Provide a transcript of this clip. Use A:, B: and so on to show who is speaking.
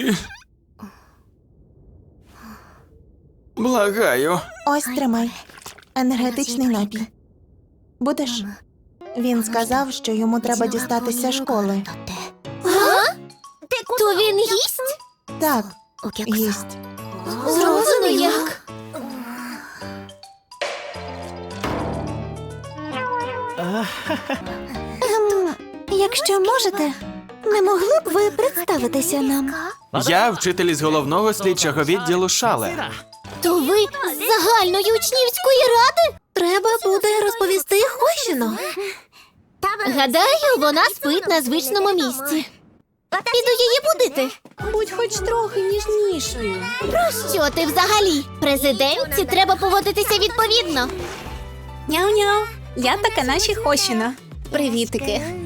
A: Ні. Благаю.
B: Ось тримай. Енергетичний напій. Будеш? Він сказав, що йому треба дістатися школи.
C: То він їсть?
B: Так, їсть.
C: Зроблено як? Якщо можете, не могли б ви представитися нам?
A: Я вчитель із головного слідчого відділу Шале.
C: То ви з загальної учнівської ради? Треба буде розповісти Хощино. Гадаю, вона спить на звичному місці. Піду її будити.
D: Будь хоч трохи ніжнішою.
C: Що ти взагалі? Президентці треба поводитися відповідно.
D: Няу-няу. Я така наші Хощина. Привітики.